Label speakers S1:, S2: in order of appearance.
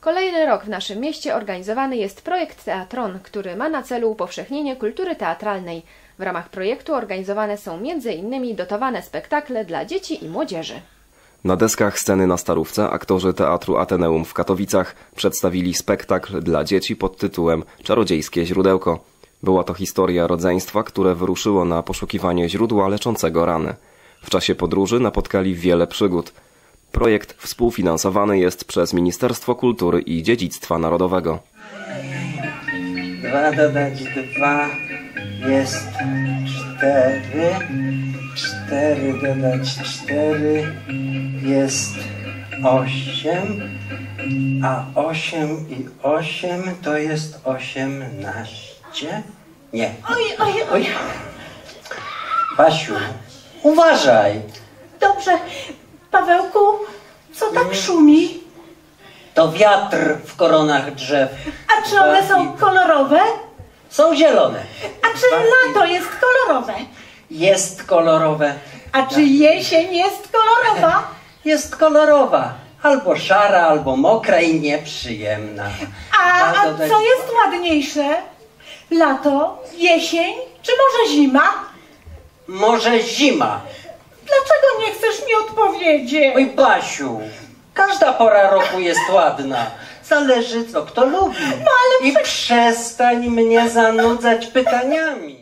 S1: Kolejny rok w naszym mieście organizowany jest projekt Teatron, który ma na celu upowszechnienie kultury teatralnej. W ramach projektu organizowane są m.in. dotowane spektakle dla dzieci i młodzieży.
S2: Na deskach sceny na Starówce aktorzy Teatru Ateneum w Katowicach przedstawili spektakl dla dzieci pod tytułem Czarodziejskie źródełko. Była to historia rodzeństwa, które wyruszyło na poszukiwanie źródła leczącego rany. W czasie podróży napotkali wiele przygód. Projekt współfinansowany jest przez Ministerstwo Kultury i Dziedzictwa Narodowego.
S3: 2 dodać 2 jest 4. 4 dodać 4 jest 8. A 8 i 8 to jest 18? Nie. Oj. Basiu, uważaj.
S4: Dobrze. Pawełku, co tak szumi?
S3: To wiatr w koronach drzew.
S4: A czy one są kolorowe?
S3: Są zielone.
S4: A czy lato jest kolorowe?
S3: Jest kolorowe.
S4: A czy jesień jest kolorowa?
S3: Jest kolorowa. Albo szara, albo mokra i nieprzyjemna.
S4: A co jest ładniejsze? Lato, jesień czy może zima?
S3: Może zima.
S4: Dlaczego nie chcesz mi odpowiedzieć?
S3: Oj, Basiu, każda pora roku jest ładna. Zależy, co kto lubi.
S4: No ale
S3: I przestań mnie zanudzać pytaniami.